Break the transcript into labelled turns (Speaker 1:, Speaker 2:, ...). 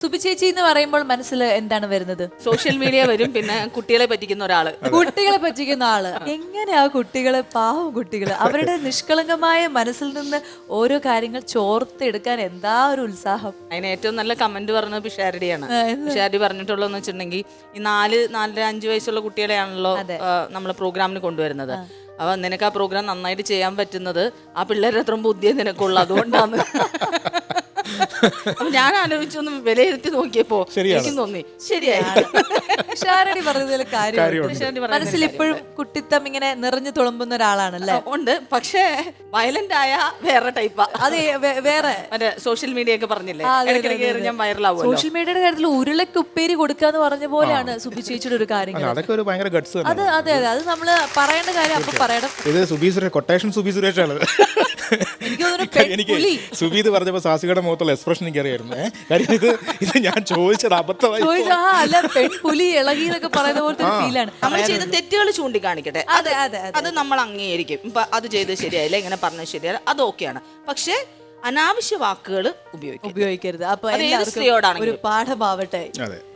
Speaker 1: സുബി ചേച്ചി എന്ന് പറയുമ്പോൾ മനസ്സിൽ എന്താണ് വരുന്നത്?
Speaker 2: സോഷ്യൽ മീഡിയ വരും, പിന്നെ കുട്ടികളെ പറ്റിക്കുന്ന ഒരാള്.
Speaker 1: കുട്ടികളെ പറ്റിക്കുന്ന ആള്. എങ്ങനെയാ കുട്ടികളെ, പാവം കുട്ടികള്, അവരുടെ നിഷ്കളങ്കമായ മനസ്സിൽ നിന്ന് ഓരോ കാര്യങ്ങൾ ചോർത്തെടുക്കാൻ എന്താ ഒരു ഉത്സാഹം.
Speaker 2: അതിന് ഏറ്റവും നല്ല കമന്റ് പറഞ്ഞത് പിഷാരടിയാണ്. പിഷാരടി പറഞ്ഞിട്ടുള്ളതെന്ന് വെച്ചിട്ടുണ്ടെങ്കിൽ, ഈ 4-5 വയസ്സുള്ള കുട്ടികളെയാണല്ലോ നമ്മള് പ്രോഗ്രാമിന് കൊണ്ടുവരുന്നത്. അപ്പൊ നിനക്ക് ആ പ്രോഗ്രാം നന്നായിട്ട് ചെയ്യാൻ പറ്റുന്നത് ആ പിള്ളേരുടെ അത്ര ബുദ്ധിയെ നിനക്കുള്ളു, അതുകൊണ്ടാണ്. അപ്പൊ ഞാൻ ആലോചിച്ചൊന്ന് വിലയിരുത്തി നോക്കിയപ്പോ എനിക്കും തോന്നി ശരിയായി.
Speaker 1: ഷാരടി പറഞ്ഞതിൽ കാര്യം. മനസ്സിൽ ഇപ്പോഴും കുട്ടിത്തം ഇങ്ങനെ നിറഞ്ഞു തുളുമ്പുന്ന ഒരാളാണല്ലേ?
Speaker 2: ഉണ്ട്, പക്ഷേ വയലന്റ് ആയ വേറെ ടൈപ്പാ.
Speaker 1: അത് വേറെ
Speaker 2: മറ്റേ സോഷ്യൽ മീഡിയ ഒക്കെ പറഞ്ഞില്ലേ, ഇടയ്ക്കിടയ്ക്ക് ഞാൻ വൈറലാവും.
Speaker 1: സോഷ്യൽ മീഡിയയുടെ കാര്യത്തിൽ ഉരുളക്ക് ഉപ്പേരി കൊടുക്കാന്ന് പറഞ്ഞ പോലെയാണ് സുബി ചേച്ചിയുടെ ഒരു കാര്യം.
Speaker 3: അതൊക്കെ ഒരു ഭയങ്കര ഗട്സ് ആണ്.
Speaker 1: അതെ അതെ അതെ, അത് നമ്മള് പറയേണ്ട കാര്യം അപ്പൊ പറയണം.
Speaker 3: ഇത് സുബി സുരേഷ്, കൊട്ടേഷൻ സുബി സുരേഷാണ്.
Speaker 1: എനിക്ക് തോന്നുന്നു
Speaker 3: എനിക്ക് സുബി ഇത് പറഞ്ഞപ്പോ സാസികയുടെ മുഖത്തുള്ള എക്സ്പ്രഷൻ എനിക്കറിയായിരുന്നു. കാര്യം ഇത് ഞാൻ ചോദിച്ചത് അബദ്ധമായി.
Speaker 1: അല്ല, പെൺപുലി ഇളകി എന്നൊക്കെ പറയുന്ന പോലത്തെ ഫീലാണ്.
Speaker 2: നമ്മൾ ചെയ്ത തെറ്റുകൾ ചൂണ്ടിക്കാണിക്കട്ടെ,
Speaker 1: അതെ അതെ,
Speaker 2: അത് നമ്മൾ അംഗീകരിക്കും. ഇപ്പൊ അത് ചെയ്ത് ശരിയായില്ല, ഇങ്ങനെ പറഞ്ഞത് ശരിയല്ല, അത് ഓക്കെയാണ്. പക്ഷെ അനാവശ്യ വാക്കുകൾ ഉപയോഗിക്കരുത്.
Speaker 1: അപ്പൊ
Speaker 2: സ്ത്രീയോടാണെങ്കിൽ
Speaker 1: ഒരു പാഠമാവട്ടെ.
Speaker 3: അതെ.